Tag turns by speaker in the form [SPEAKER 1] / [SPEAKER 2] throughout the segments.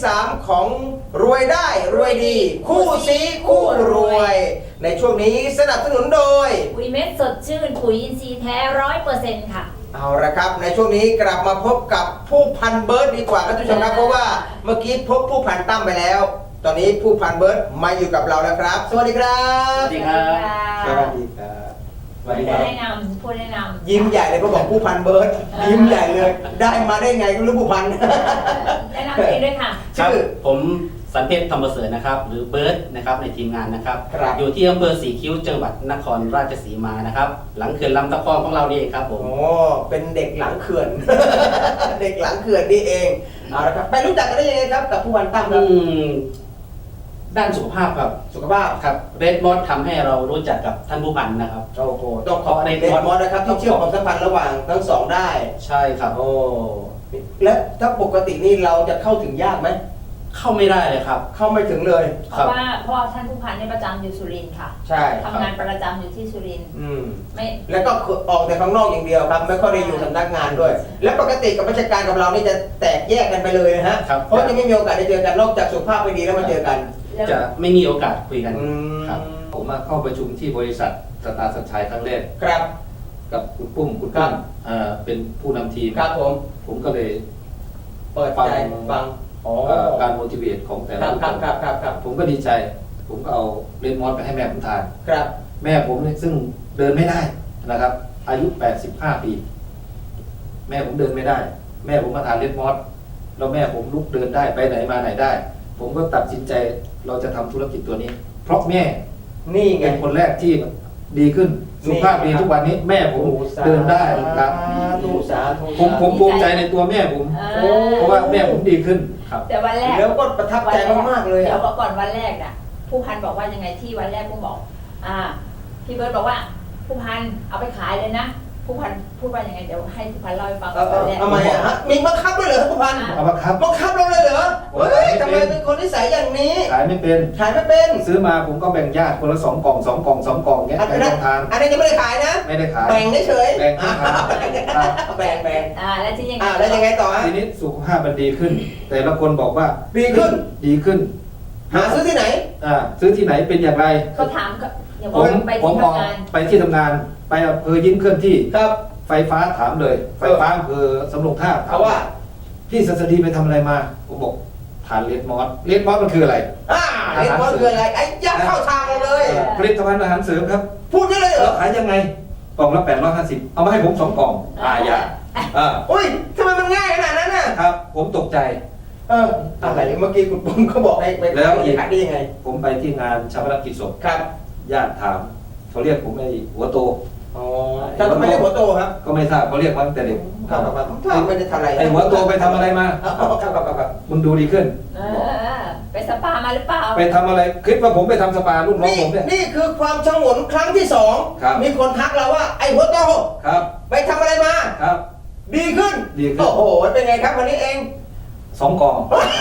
[SPEAKER 1] 3ของรวยได้รวยดี คู่ซีคู่รวย ในช่วงนี้สนับสนุนโดย
[SPEAKER 2] ปุ๋ยเม็ดสดชื่นปุ๋ยอินทรีย์แท้100%ค่ะ
[SPEAKER 1] เอาละครับในช่วงนี้กลับมาพบกับผู้พันเบิร์ดดีกว่าครับทุกผู้ชมครับเพราะว่าเมื่อกี้พบผู้พันตั้มไปแล้ว ตอนนี้ผู้พันเบิร์ดมาอยู่กับเราแล้วครับสวัสดีครับ
[SPEAKER 3] สวัสดีครับ
[SPEAKER 1] สวัสดีครับ
[SPEAKER 3] สวัสดีค
[SPEAKER 2] ผู้
[SPEAKER 3] รับ
[SPEAKER 2] แนะนำผู้แนะนำ
[SPEAKER 1] ยิ้มใหญ่เลยเพราะบอกผู้พันเบิร์ดยิ้มใหญ่เลย ได้มาได้ไงก็รู้ผู้พัน
[SPEAKER 2] แนะนำตัวเองด้วยค่ะ
[SPEAKER 3] ครับ
[SPEAKER 1] ชื่อ
[SPEAKER 3] ผมสันเพชรธรรมประเสริฐนะครับ หรือเบิร์ดนะครับในทีมงานนะครับ
[SPEAKER 1] ครับ
[SPEAKER 3] อยู่ที่อำเภอสีคิ้วจังหวัดนครราชสีมานะครับ หลังเขื่อนลำตะคองของเรานี่เองครับผม
[SPEAKER 1] โอ้เป็นเด็กหลังเขื่อน เด็กหลังเขื่อนนี่เองเอาละครับไปรู้จักกันได้ยังไงครับกับผู้พันตั้มครับ
[SPEAKER 3] ด้านสุขภาพครับ
[SPEAKER 1] สุขภาพ
[SPEAKER 3] ครับเรดมอสทำให้เรารู้จักกับท่านผู้พันนะครับ
[SPEAKER 1] โอ้โหต้องขอบเดนมอสนะครับที่เชื่อมความสัมพันธ์ระหว่างทั้งสองได้
[SPEAKER 3] ใช่ครับ
[SPEAKER 1] โอ้และถ้าปกตินี่เราจะเข้าถึงยากไหม
[SPEAKER 3] เข้าไม่ได้เลยครับ
[SPEAKER 1] เข้าไม่ถึงเลย
[SPEAKER 2] เพราะว่าท่านผู้พันเนี่ยประจำอยู่สุรินทร์ค่ะ
[SPEAKER 1] ใช่
[SPEAKER 2] ทำงานประจำอยู่ที่สุรินทร์
[SPEAKER 1] อืม
[SPEAKER 2] ไม่
[SPEAKER 1] แล้วก็ออกแต่ข้างนอกอย่างเดียวครับ ไม่ค่อยได้อยู่สำนักงานด้วย และปกติกับราชการกับเรานี่จะแตกแยกกันไปเลยนะฮะ
[SPEAKER 3] ครับ
[SPEAKER 1] เพราะจะไม่มีโอกาสได้เจอกันนอกจากสุขภาพไม่ดีแล้วมาเจอกัน
[SPEAKER 2] แล้ว
[SPEAKER 3] จะไม่มีโอกาสคุยกัน
[SPEAKER 1] อืม
[SPEAKER 3] ครับ
[SPEAKER 4] ผมมาเข้าประชุมที่บริษัทสตาร์สัญชัยครั้งแรก
[SPEAKER 1] ครับ
[SPEAKER 4] กับคุณปุ้มคุณ
[SPEAKER 1] ครั
[SPEAKER 4] ปุ้
[SPEAKER 1] บ
[SPEAKER 4] มเป็นผู้นำทีม
[SPEAKER 1] ครับผม
[SPEAKER 4] ผมก็เลย
[SPEAKER 1] เปิดใจฟังอ๋อ
[SPEAKER 4] การ motivate ของแต่
[SPEAKER 1] ค
[SPEAKER 4] ละ
[SPEAKER 1] รับ
[SPEAKER 4] บุค
[SPEAKER 1] ครับ
[SPEAKER 4] คล
[SPEAKER 1] ครับครับครับ
[SPEAKER 4] ผมก็ดีใจ ผมก็เอาเรดมอสไปให้แม่ผมทาน
[SPEAKER 1] ครับ
[SPEAKER 4] แม่ผมเนี่ยซึ่งเดินไม่ได้นะครับ อายุ 85 ปี แม่ผมเดินไม่ได้ แม่ผมมาทานเรดมอสแล้วแม่ผมลุกเดินได้ไปไหนมาไหนได้ ผมก็ตัดสินใจเราจะทำธุรกิจตัวนี้ เพราะแม่
[SPEAKER 1] นี่ไง
[SPEAKER 4] เป็นคนแรกที่ดีขึ้นสุขภาพดีทุกวันนี้แม่ผมเดินได้ครับ
[SPEAKER 1] สาธุ
[SPEAKER 4] ผมภูมิใจในตัวแม่ผม
[SPEAKER 2] เออ
[SPEAKER 4] เพราะว่าแม่ผมดีขึ้นครับ
[SPEAKER 2] แต่วันแรก
[SPEAKER 1] แล้วก็ประทับใจมากๆเลย
[SPEAKER 2] เดี๋ย
[SPEAKER 1] อะ
[SPEAKER 2] วก่อนวันแรกน่ะ ผู้พันบอกว่ายังไงที่วันแรกผู้บอก พี่เบิร์ตบอกว่า ผู้พันเอาไปขายเลยนะ ผู้พันพูดว่ายังไงเดี๋ยวให้ผู้พันเล่าให้ฟังวันแรก
[SPEAKER 1] ทำไมอะฮะมีบังคับด้วยเหรอครับผู้พัน
[SPEAKER 4] เอามาครับ
[SPEAKER 1] บังคับเราเลยเหรอ
[SPEAKER 4] ผม
[SPEAKER 1] เฮ้ย
[SPEAKER 4] ขายไม่เป็น
[SPEAKER 1] ทำไมเป็นคนนิสัยอย่างนี้
[SPEAKER 4] ขายไม่เป็น
[SPEAKER 1] ขายไม่เป็น
[SPEAKER 4] ซื้อมาผมก็แบ่งญาติคนละ2 กล่อง2 กล่อง2 กล่องเงี้ย
[SPEAKER 1] อัน
[SPEAKER 4] ไป
[SPEAKER 1] นั้
[SPEAKER 4] ล
[SPEAKER 1] น
[SPEAKER 4] องทาน
[SPEAKER 1] อันนี้ยังไม่ได้ขายนะ
[SPEAKER 4] ไม่ได้ขาย
[SPEAKER 1] แบ่งเฉยๆ
[SPEAKER 4] แบ่งให้ทาน
[SPEAKER 1] แบ่งแบ่ง
[SPEAKER 2] แล้วที่ยังไง
[SPEAKER 1] แล้วยังไงต่อฮะ
[SPEAKER 4] ทีนี้สุขภาพมันดีขึ้น แต่ละคนบอกว่า
[SPEAKER 1] ดีขึ้น
[SPEAKER 4] ดีขึ้น
[SPEAKER 1] หาซื้อที่ไหน
[SPEAKER 4] ซื้อที่ไหนเป็นอย่างไร
[SPEAKER 2] เขาถามก็อย่า
[SPEAKER 4] ผ
[SPEAKER 2] บอก
[SPEAKER 4] ม
[SPEAKER 2] ไป
[SPEAKER 4] ผม
[SPEAKER 2] ที่
[SPEAKER 4] ออก
[SPEAKER 2] ทำงาน
[SPEAKER 4] ไปที่ทำงาน ไปอำเภอยิ้มเคลื่อนที่
[SPEAKER 1] ครับ
[SPEAKER 4] ไฟฟ้าถามเลย ไฟฟ้าอำเภอสำโรงท่าบ
[SPEAKER 1] เขาว่า
[SPEAKER 4] พี่สัสดีไปทำอะไรมา ผมบอกทานเลดมอสเลดมอสมันคืออะไร
[SPEAKER 1] เรียกว่าคืออะไรไอ้ยักษ์เข้าทางเราเลย
[SPEAKER 4] ผลิตภัณฑ์อาหารเสริมครับ
[SPEAKER 1] พูดได้เลยเหร
[SPEAKER 4] แล้ว
[SPEAKER 1] อ
[SPEAKER 4] ขายยังไง กล่องละ850เอามาให้ผม2 กล่องอย่า
[SPEAKER 1] อุ้ยทำไมมันง่ายขนาดนั้นน่ะ
[SPEAKER 4] ครับ ผมตกใจ
[SPEAKER 1] อะไรเมื่อกี้คุณปุ้มเขาบอกให้ไป
[SPEAKER 4] แล้วอีก
[SPEAKER 1] ขายได้ยังไง
[SPEAKER 4] ผมไปที่งานชาปนกิจศพ
[SPEAKER 1] ครับ
[SPEAKER 4] ญาติถามเขาเรียกผมไอ้หัวโต
[SPEAKER 1] อ๋อแต่ทำไมเรียกหัวโตครับ
[SPEAKER 4] ก็ไม่ทราบเขาเรียกมาตั้งแต่เด็ก
[SPEAKER 1] ครับครับครับไม่ได้ทำอะไร
[SPEAKER 4] ไอ้หัวโตไปทำอะไรมา
[SPEAKER 1] ครับครับครับ
[SPEAKER 4] มึงดูดีขึ้น
[SPEAKER 2] ไปสปามาหรือเปล่า
[SPEAKER 4] ไปทำอะไรคิดว่าผมไปทำสปาลูกน้อง
[SPEAKER 1] นี่
[SPEAKER 4] ผมเนี่ย
[SPEAKER 1] นี่คือความชงนครั้งที่สอง
[SPEAKER 4] ครับ
[SPEAKER 1] มีคนทักเราว่าไอ้หัวโต
[SPEAKER 4] ครับ
[SPEAKER 1] ไปทำอะไรมา
[SPEAKER 4] ครับ
[SPEAKER 1] ดีขึ้น
[SPEAKER 4] ดีขึ้น
[SPEAKER 1] โอ้โหเป็นไงครับวันนี้เอง
[SPEAKER 4] 2 กล่อง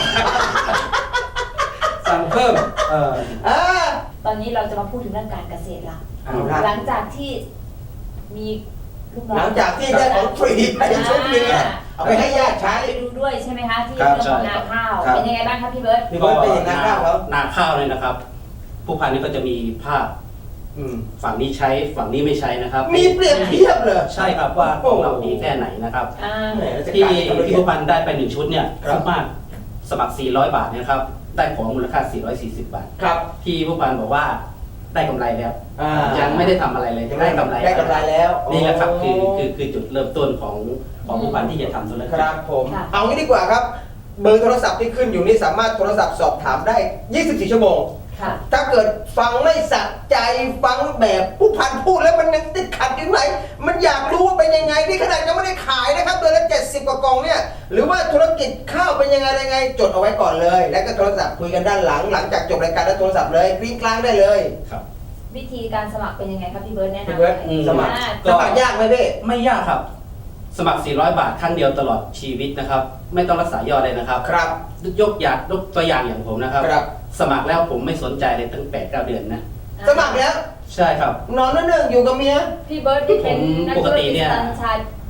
[SPEAKER 4] สั่งเพิ่ม
[SPEAKER 1] อ่า
[SPEAKER 2] ตอนนี้เราจะมาพูดถึงเรื่องการเกษตรละ
[SPEAKER 1] เอาละ
[SPEAKER 2] หลังจากที่มีลูกน้อง
[SPEAKER 1] หลังจากที่ได้ของฟรีไปชุดหนึงอะเอาไปให้ญาติใช้
[SPEAKER 2] ไปดูด้วยใช่ไหมคะที่
[SPEAKER 4] ครั
[SPEAKER 2] เรื่
[SPEAKER 4] บ
[SPEAKER 2] องของนาข้าว
[SPEAKER 4] ครับ
[SPEAKER 2] เป็นยังไงบ้างครับพี่เบิร์ต
[SPEAKER 1] พี่เบิร์ตเป็นอย่างนั้นข้าวเขา
[SPEAKER 3] นาข้าวเลยนะครับ ผู้พันนี่ก็จะมีภาพ
[SPEAKER 1] อืม
[SPEAKER 3] ฝั่งนี้ใช้ฝั่งนี้ไม่ใช้นะครับ
[SPEAKER 1] มีเปรียบเทียบเลย
[SPEAKER 3] ใช่ครับว่าของเราดีแค่ไหนนะครับ
[SPEAKER 1] แหมราช
[SPEAKER 3] ที่
[SPEAKER 1] การทำละเอี
[SPEAKER 3] ที่
[SPEAKER 1] ยด
[SPEAKER 3] ผู้พันได้ไป1 ชุดเนี่ย
[SPEAKER 1] ครับ
[SPEAKER 3] คุ้มมากสมัคร 400 บาทเนยนะครับ ได้ของมูลค่า 440 บาท
[SPEAKER 1] ครับ
[SPEAKER 3] ที่ผู้พันบอกว่าได้กำไรแล้ว
[SPEAKER 1] อ่า
[SPEAKER 3] ยังไม่ได้ทำอะไรเลยได้กำไร
[SPEAKER 1] ได้กำไรแล้ว
[SPEAKER 3] นี่แหละครับคือ
[SPEAKER 1] โ
[SPEAKER 3] คือจุดเริ่มต้นของผู้พันที่จะทำธุร
[SPEAKER 1] ค
[SPEAKER 3] กิจ
[SPEAKER 1] รับผมเอางี้ดีกว่าครับ เบอร์โทรศัพท์ที่ขึ้นอยู่นี่สามารถโทรศัพท์สอบถามได้ 24 ชั่วโมง
[SPEAKER 2] ค่ะ
[SPEAKER 1] ถ้าเกิดฟังไม่สะใจฟังแบบผู้พันพูดแล้วมันยังติดขัดอยู่ไหนมันอยากรู้ว่าเป็นยังไงนี่ขนาดยังไม่ได้ขายนะครับเดือนละ70 กว่ากล่องเนี่ยหรือว่าธุรกิจข้าวเป็นยังไงจดเอาไว้ก่อนเลย แล้วก็โทรศัพท์คุยกันด้านหลังจากจบรายการแล้วโทรศัพท์เลยกริ้งกลางได้เลย
[SPEAKER 3] ครับ
[SPEAKER 2] วิธีการสมัครเป็นยังไงครับพี่เบิร์ตแนะนำ
[SPEAKER 1] พี่เบิร์ต
[SPEAKER 3] อืม
[SPEAKER 1] สมัคร
[SPEAKER 3] ก็
[SPEAKER 1] ยากไหมพี่
[SPEAKER 3] ไม่ยากครับ สมัคร 400 บาทครั้งเดียวตลอดชีวิตนะครับ ไม่ต้องรักษายอดเลยนะครับ
[SPEAKER 1] ครับ
[SPEAKER 3] ยกตัวอย่างอย่างผมนะครับ
[SPEAKER 1] ครับ
[SPEAKER 3] สมัครแล้วผมไม่สนใจเลยตั้ง8-9 เดือนนะ
[SPEAKER 1] สมัครแล้ว
[SPEAKER 3] ใช่ครับ
[SPEAKER 1] นอนนั่นอยู่กับเมีย
[SPEAKER 2] พี่เบิร์ตที่เป็นนัก
[SPEAKER 3] ป
[SPEAKER 2] ธุ
[SPEAKER 3] ก
[SPEAKER 2] ร
[SPEAKER 3] ติ
[SPEAKER 2] กิจ
[SPEAKER 3] เนี่ย
[SPEAKER 2] สัญชัย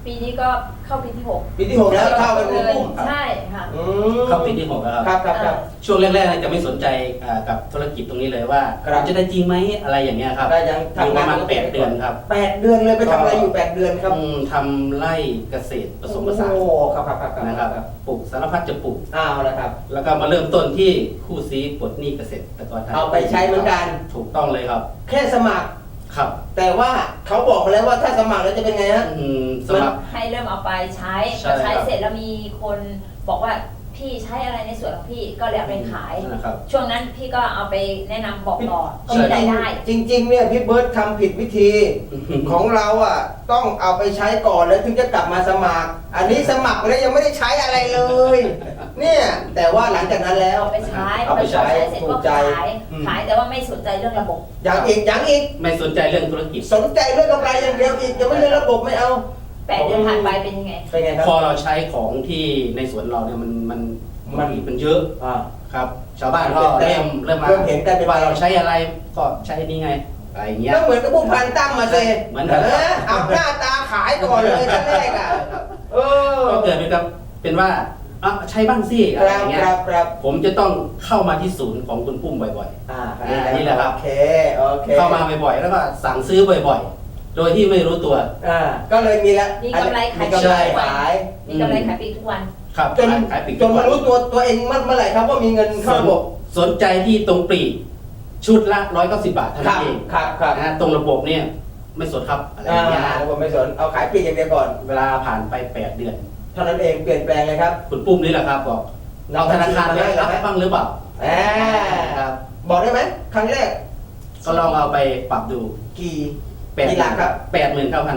[SPEAKER 2] ปีนี้ก็เข้าปีที่ 6
[SPEAKER 1] ปีที่ 6 แล้วเข้าเป็นปุ้ม
[SPEAKER 2] ใช่ค่ะ
[SPEAKER 3] เข้าปีที่ 6 แล้ว
[SPEAKER 1] ค
[SPEAKER 3] ค
[SPEAKER 1] รั
[SPEAKER 3] รั
[SPEAKER 1] บบ ครับ
[SPEAKER 3] ช่วงแรกๆจะไม่สนใจกับธุรกิจตรงนี้เลยว่า
[SPEAKER 1] ครับ
[SPEAKER 3] จะได้จริงไหมอะไรอย่างเงี้ยครับ
[SPEAKER 1] ได้ยัง
[SPEAKER 3] อยู่
[SPEAKER 1] ทำ
[SPEAKER 3] ป
[SPEAKER 1] งาน
[SPEAKER 3] ระมาณ8 เดือนครับ
[SPEAKER 1] 8 เดือนเลยไปทำอะไรอยู่ 8 เดือนครับ
[SPEAKER 3] ทำไร่เกษตรผสมผสาน
[SPEAKER 1] โอ้ครับครับครับ
[SPEAKER 3] นะครับปลูกสารพัดจะปลูก
[SPEAKER 1] เอาละครับ
[SPEAKER 3] แล้วก็มาเริ่มต้นที่คู่ซีปลดหนี้เกษตรกรไทย
[SPEAKER 1] เอาไปใช้เหมือนกัน
[SPEAKER 3] ถูกต้องเลยครับ
[SPEAKER 1] แค่สมัคร
[SPEAKER 3] ครับ
[SPEAKER 1] แต่ว่าเขาบอกมาแล้วว่าถ้าสมัครแล้วจะเป็นไงฮะ
[SPEAKER 3] สำหรับ
[SPEAKER 2] ให้เริ่มเอาไปใช้
[SPEAKER 3] ใช่
[SPEAKER 2] พอใช้
[SPEAKER 3] ครับ
[SPEAKER 2] เสร็จแล้วมีคนบอกว่าพี่ใช้อะไรในส่วนของพี่ก็เลยเอาไปขาย
[SPEAKER 3] นะครับ
[SPEAKER 2] ช่วงนั้นพี่ก็เอาไปแนะนำบอกต่อก็
[SPEAKER 3] ใช่
[SPEAKER 2] มีรายได้
[SPEAKER 1] จริงๆเนี่ยพี่เบิร์ตทำผิดวิธี ของเราอ่ะต้องเอาไปใช้ก่อนแล้วถึงจะกลับมาสมัคร อันนี้สมัครแล้วยังไม่ได้ใช้อะไรเลย เนี่ยแต่ว่าหลังจากนั้นแล้ว
[SPEAKER 2] เอาไปใช้
[SPEAKER 1] เอาไปใช้
[SPEAKER 2] เสร็จ
[SPEAKER 1] ถู
[SPEAKER 2] ก็
[SPEAKER 1] กใจ
[SPEAKER 2] ขาย
[SPEAKER 1] อืม
[SPEAKER 2] ขายแต่ว่าไม่สนใจเรื่องระบบ
[SPEAKER 1] อย่างอีก
[SPEAKER 3] ไม่สนใจเรื่องธุรกิจ
[SPEAKER 1] สนใจเรื่องกำไรอย่างเดียวอีกยังไม่เรื่องระบบไม่เอา
[SPEAKER 2] 8 เดือนผ่านไปเป็นยังไง
[SPEAKER 1] เป็นไงครับ
[SPEAKER 3] พอเราใช้ของที่ในสวนเราเนี่ยมันเยอะ
[SPEAKER 1] อ่า
[SPEAKER 3] ครับ ชาวบ้านก็เริ่มมา
[SPEAKER 1] เริ่มเห็นกันเป็น
[SPEAKER 3] ว่าเราใช้อะไรก็ใช้นี่ไงอะไรอย่างเงี้ย
[SPEAKER 1] ก็เหมือนกับผู้พันตั้มมาเซ
[SPEAKER 3] เหมือนกัน
[SPEAKER 1] เอาหน้าตาขายก่อนเลยขั้นแรกอ่ะเออ
[SPEAKER 3] ก็เกิดเป็นว่าอ่ะใช้บ้างสิ
[SPEAKER 1] ค
[SPEAKER 3] อะไรอ
[SPEAKER 1] รับ
[SPEAKER 3] ย่างเงี้ย
[SPEAKER 1] ครับ
[SPEAKER 3] ผมจะต้องเข้ามาที่ศูนย์ของคุณปุ้มบ่อย นี่แหละครับ
[SPEAKER 1] โอเค
[SPEAKER 3] ๆ เข้ามาบ่อยๆ แล้วก็สั่งซื้อบ่อยๆ โดยที่ไม่รู้ตัว
[SPEAKER 1] ก็เลยมีแล้ว
[SPEAKER 2] มีกำไรขาย
[SPEAKER 1] มีกำไรขาย
[SPEAKER 2] มีกำไรขายปีทุกวัน
[SPEAKER 3] ครับ
[SPEAKER 1] จน
[SPEAKER 3] ขายปลีก
[SPEAKER 1] จนมารู้ตัวเองเมื่อไหร่ครับว่ามีเงินเข้าระบบ
[SPEAKER 3] สนใจที่ตรงปลีกชุดละ190 บาทเท่า
[SPEAKER 1] ครั
[SPEAKER 3] นั้
[SPEAKER 1] บ
[SPEAKER 3] นเอง
[SPEAKER 1] ครับ
[SPEAKER 3] นะฮะตรงระบบเนี่ยไม่สนครับอะไรอย่างเงี้ยนะ
[SPEAKER 1] ผมไม่สนเอาขายปลีกอย่างเดียวก่อน
[SPEAKER 3] เวลาผ่านไป8 เดือน
[SPEAKER 1] เท่านั้นเองเปลี่ยนแปลงเลยครับ
[SPEAKER 3] คุณปุ้มนี่แหละครับบอกเอาธนาคารไปรับบ้างหรือเปล่า
[SPEAKER 1] อ่า
[SPEAKER 3] ครับ
[SPEAKER 1] บอกได้ไหมครั้งแรก
[SPEAKER 3] ก็ลองเอาไปปรับดู
[SPEAKER 1] กี่
[SPEAKER 3] 8
[SPEAKER 1] หลักครับ
[SPEAKER 3] 89,000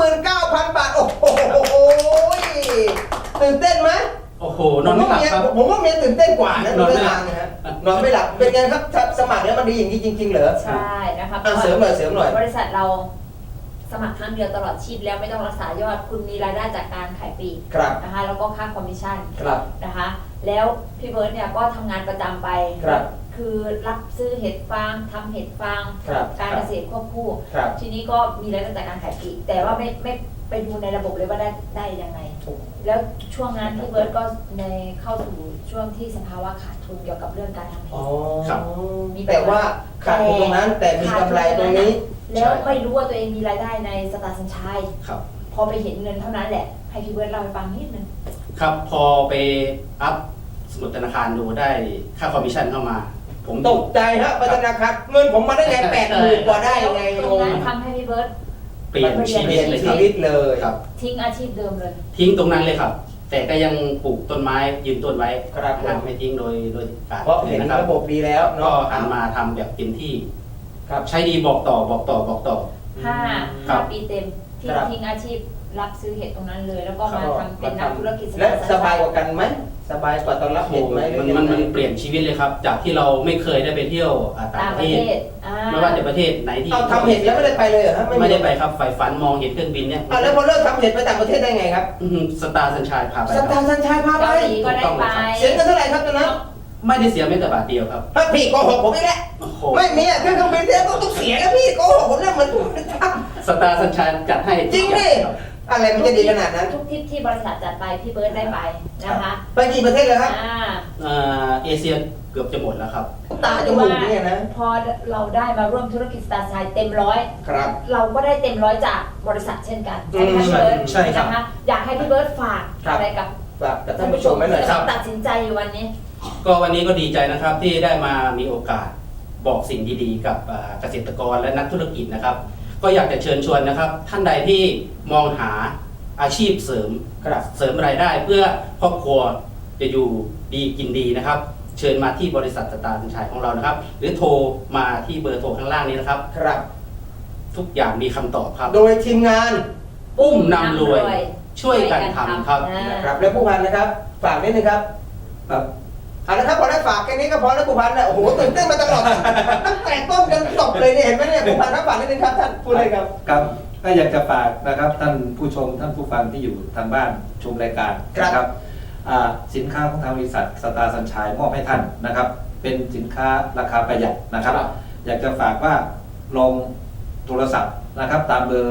[SPEAKER 1] 89,000 บาทโอ้โหตื่นเต้นไหม
[SPEAKER 3] โอ้โหนอนไม่หลับครับ
[SPEAKER 1] ผมว่าเมียตื่นเต้นกว่านะ
[SPEAKER 3] นอนไม่หลับ
[SPEAKER 1] ทางนะฮะนอนไม่หลับเป็นไงครับสมัครแล้วมันดีอย่างนี้จริงๆเหรอ
[SPEAKER 2] ใช่นะครับ
[SPEAKER 1] เสริมหน่อย
[SPEAKER 2] บริษัทเราสมัครครั้งเดียวตลอดชีพแล้วไม่ต้องรักษายอดคุณมีรายได้จากการขายปลีก
[SPEAKER 1] ครับ
[SPEAKER 2] นะคะแล้วก็ค่าคอมมิชชั่น
[SPEAKER 1] ครับ
[SPEAKER 2] นะคะแล้วพี่เบิร์ตเนี่ยก็ทำงานประจำไป
[SPEAKER 1] ครับ
[SPEAKER 2] คือรับซื้อเห็ดฟางทำเห็ดฟาง
[SPEAKER 1] ครับ
[SPEAKER 2] การเกษตรควบคู่
[SPEAKER 1] ครับ
[SPEAKER 2] ทีนี้ก็มีรายได้จากการขายปลีกแต่ว่าไม่ไปดูในระบบเลยว่าได้ยังไง แล้วช่วงนั้นพี่เบิร์ตก็ในเข้าสู่ช่วงที่สภาวะขาดทุนเกี่ยวกับเรื่องการทำเห็
[SPEAKER 1] อ๋อ
[SPEAKER 2] ด
[SPEAKER 3] ครับ
[SPEAKER 1] แต่ว่าขาดทุนตรงนั้นแต่มีกำไรตรงนี้
[SPEAKER 2] แล้วไม่รู้ว่าตัวเองมีรายได้ในสตาร์สัญชัย
[SPEAKER 3] ครับ
[SPEAKER 2] พอไปเห็นเงินเท่านั้นแหละ ให้พี่เบิร์ตเล่าให้ฟังนิดนึง
[SPEAKER 3] ครับพอไปอัพสมุดธนาคารดูได้ค่าคอมมิชชั่นเข้ามา ผม
[SPEAKER 1] ตกใจฮะไปธนาคารเงินผมมาได้ไง80,000กว่าได้ยังไง
[SPEAKER 2] ต
[SPEAKER 1] ง
[SPEAKER 2] รง
[SPEAKER 1] ง
[SPEAKER 2] นั้นทำให้พี่เบิร์ต
[SPEAKER 3] เปลี่ยนชี
[SPEAKER 1] เป
[SPEAKER 3] วิ
[SPEAKER 1] ลี่
[SPEAKER 3] ต
[SPEAKER 1] ยน
[SPEAKER 3] เลยค
[SPEAKER 1] ชี
[SPEAKER 3] รับ
[SPEAKER 1] วิตเลย
[SPEAKER 3] ครับ
[SPEAKER 2] ทิ้งอาชีพเดิมเลย
[SPEAKER 3] ทิ้งตรงนั้นเลยครับ แต่ก็ยังปลูกต้นไม้ยืนต้นไว้
[SPEAKER 1] ครับผม
[SPEAKER 3] นะไม่ทิ้งโดยการ
[SPEAKER 1] เพราะเห็น
[SPEAKER 3] นะครับ
[SPEAKER 1] ระบบดีแล้ว
[SPEAKER 3] ก็
[SPEAKER 1] เนาะ
[SPEAKER 3] หันมาทำแบบเต็มที่
[SPEAKER 1] ครับ
[SPEAKER 3] ใช้ดีบอกต่อ
[SPEAKER 2] ห้า
[SPEAKER 3] ครับ
[SPEAKER 2] ปีเต็มที่
[SPEAKER 1] ครับ
[SPEAKER 2] ทิ้งอาชีพรับซื้อเห็ดตรงนั้นเลย แล้วก็มาทำเป็นนักธุรกิจ
[SPEAKER 1] และสบายกว่ากันไหมสบายกว่าตอนรับ
[SPEAKER 3] โอ้โห
[SPEAKER 1] เห็นไหม
[SPEAKER 3] มันเปลี่ยนชีวิตเลยครับ จากที่เราไม่เคยได้ไปเที่ยวต่าง
[SPEAKER 2] ต่าง
[SPEAKER 3] ป
[SPEAKER 2] ประ ระ
[SPEAKER 3] เท
[SPEAKER 2] เท
[SPEAKER 3] ศ
[SPEAKER 2] ศอ่า
[SPEAKER 3] ไม่ว่าจะประเทศไหนที่
[SPEAKER 1] เอาทำเห็ดแล้วไม่ได้ไปเลยเหรอฮะ
[SPEAKER 3] ไม่ได้ไปครับใฝ่ฝันมองเห็นเครื่องบินเนี่ย
[SPEAKER 1] แล้วพอเลิกทำเห็ดไปต่างประเทศได้ไงครับ
[SPEAKER 3] สตาร์สัญชัยพาไป
[SPEAKER 1] ส
[SPEAKER 3] ค
[SPEAKER 1] ตา
[SPEAKER 3] รับ
[SPEAKER 1] ร์สัญชัยพาไป
[SPEAKER 2] เกาหลีก็ได้ไป
[SPEAKER 1] เสียเงินเท่าไหร่ครับตอนนั้น
[SPEAKER 3] ไม่ได้เสียแม้แต่บาทเดียวครับ
[SPEAKER 1] ถ้าพี่โกหกผมอีกแล้ว
[SPEAKER 3] โอ้โห
[SPEAKER 1] ไม่มีอ่ะเครื่องบินเนี่ยต้องเสียแล้วพี่โกหกผมเนี่ยเหมือนผมท
[SPEAKER 3] สตาร์สัญชัยจัดให้
[SPEAKER 1] ำจริงดิอะไรมันจะดีขนาดนั้น
[SPEAKER 2] ทุกทริปที่บริษัทจัดไปพี่เบิร์ตได้ไปนะคะ
[SPEAKER 1] ไปกี่ประเทศเลยครับ
[SPEAKER 3] เอเชียเกือบจะหมดแล้วครับ
[SPEAKER 1] ตาจมูกเนี่ยนะ
[SPEAKER 2] พอเราได้มาร่วมธุรกิจสตาร์ชัยเต็มร้อย
[SPEAKER 1] ครับ
[SPEAKER 2] เราก็ได้เต็มร้อยจากบริษัทเช่นกันใช่ไหมคะพี่เบิร์ต
[SPEAKER 3] ใช่ครับ
[SPEAKER 2] นะคะอยากให้พี่เบิร์ตฝาก
[SPEAKER 1] ครับ
[SPEAKER 2] อะไรกับ
[SPEAKER 1] ฝากกับท่านผู้ชมไว้หน่อยครับ
[SPEAKER 2] ตัดสินใจอยู่วันนี้
[SPEAKER 3] ก็วันนี้ก็ดีใจนะครับที่ได้มามีโอกาสบอกสิ่งดีๆ กับเกษตรกรและนักธุรกิจนะครับ ก็อยากจะเชิญชวนนะครับ ท่านใดที่มองหาอาชีพเสริม
[SPEAKER 1] ครับ
[SPEAKER 3] เสริมรายได้เพื่อครอบครัวจะอยู่ดีกินดีนะครับ เชิญมาที่บริษัทสตาร์สัญชัยของเรานะครับ หรือโทรมาที่เบอร์โทรข้างล่างนี้นะครับ
[SPEAKER 1] ครับ
[SPEAKER 3] ทุกอย่างมีคำตอบครับ
[SPEAKER 1] โดยทีมงาน
[SPEAKER 3] อุ้มนำรวยช่วยกันทำครับ
[SPEAKER 1] นะครับและผู้พันนะครับ ฝากนิดนึงครับ
[SPEAKER 4] ครับ
[SPEAKER 1] เอาละครับพอได้ฝากแค่นี้ก็พอแล้วผู้พันนะโอ้โหตื่นเต้นมาตลอดตั้งแต่ต้นจนจบเลยเนี่ยเห็นไหมเนี่ยผู้พันครับฝากนิดนึงครับท่านพูดเลยครับ
[SPEAKER 4] ครับก็อยากจะฝากนะครับท่านผู้ชมท่านผู้ฟังที่อยู่ทางบ้านชมรายการนะครับสินค้าของทางบริษัทสตาร์สัญชัยมอบให้ท่านนะครับ เป็นสินค้าราคาประหยัดนะครับ
[SPEAKER 1] ครับ
[SPEAKER 4] อยากจะฝากว่าลองโทรศัพท์นะครับ ตามเบอร์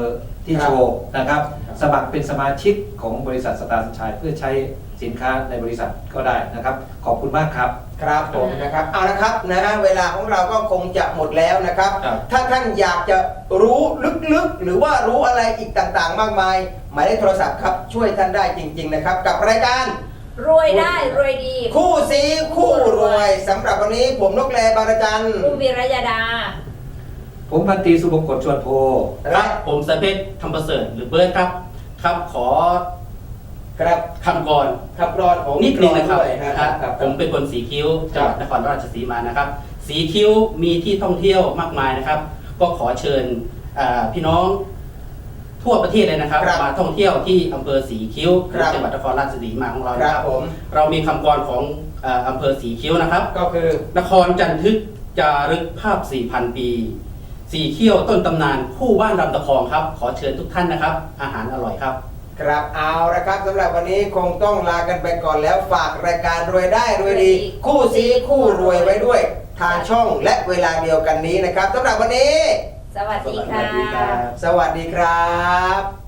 [SPEAKER 4] ที่
[SPEAKER 1] ครับ
[SPEAKER 4] โชว์นะครับ
[SPEAKER 1] ครับ
[SPEAKER 4] สมัครเป็นสมาชิกของบริษัทสตาร์สัญชัยเพื่อใช้สินค้าในบริษัทก็ได้นะครับ ขอบคุณมากครับ
[SPEAKER 1] ครับผมนะครับเอาละครับนะฮะเวลาของเราก็คงจะหมดแล้วนะครับ
[SPEAKER 4] ครับ
[SPEAKER 1] ถ้าท่านอยากจะรู้ลึกๆ หรือว่ารู้อะไรอีกต่างๆ มากมาย หมายเลขโทรศัพท์ครับช่วยท่านได้จริง ๆนะครับ กับรายการ
[SPEAKER 2] รวยได้รวยดี
[SPEAKER 1] คู่ซีคู่รวยสำหรับวันนี้ผมนกแลบางระจัน
[SPEAKER 2] คุณวีรยดา
[SPEAKER 4] ผมพันตรีสุบงกฎชวนโพ
[SPEAKER 3] ครับผมสเปซทำประเสริฐหรือเบิร์ดครับครับขอ
[SPEAKER 1] ครับ
[SPEAKER 3] คำก่อน
[SPEAKER 1] ขับร้อนของ
[SPEAKER 3] นิดนึงนะครับ
[SPEAKER 1] ด้วยนะ
[SPEAKER 3] นะ
[SPEAKER 1] ค
[SPEAKER 3] ค
[SPEAKER 1] รั
[SPEAKER 3] รั
[SPEAKER 1] บบ
[SPEAKER 3] ผมเป็นคนสีคิ้วจังหวัดนครราชสีมานะครับ สีคิ้วมีที่ท่องเที่ยวมากมายนะครับ ก็ขอเชิญพี่น้องทั่วประเทศเลยนะครับ มาท่องเที่ยวที่อำเภอสีคิ้วจังหวัดนครราชสีมาของเรา
[SPEAKER 1] ค
[SPEAKER 3] นะ
[SPEAKER 1] รั
[SPEAKER 3] ค
[SPEAKER 1] บ
[SPEAKER 3] รับ
[SPEAKER 1] ผม
[SPEAKER 3] เรามีคำกรของอำเภอสีคิ้วนะครับ
[SPEAKER 1] ก็คือ
[SPEAKER 3] นครจันทึกจารึกภาพ 4,000 ปี สีเขี้ยวต้นตำนานคู่บ้านลำตะคองครับ ขอเชิญทุกท่านนะครับ อาหารอร่อยครับ
[SPEAKER 1] ครับเอาละครับสำหรับวันนี้คงต้องลากันไปก่อนแล้วฝากรายการรวยได้รวยดี คู่ซีคู่รวยไว้ด้วย ทางช่องและเวลาเดียวกันนี้นะครับสำหรับวันนี้
[SPEAKER 2] สวัสดีค่ะ
[SPEAKER 3] สวัสดีครับ
[SPEAKER 1] สวัสดีครับ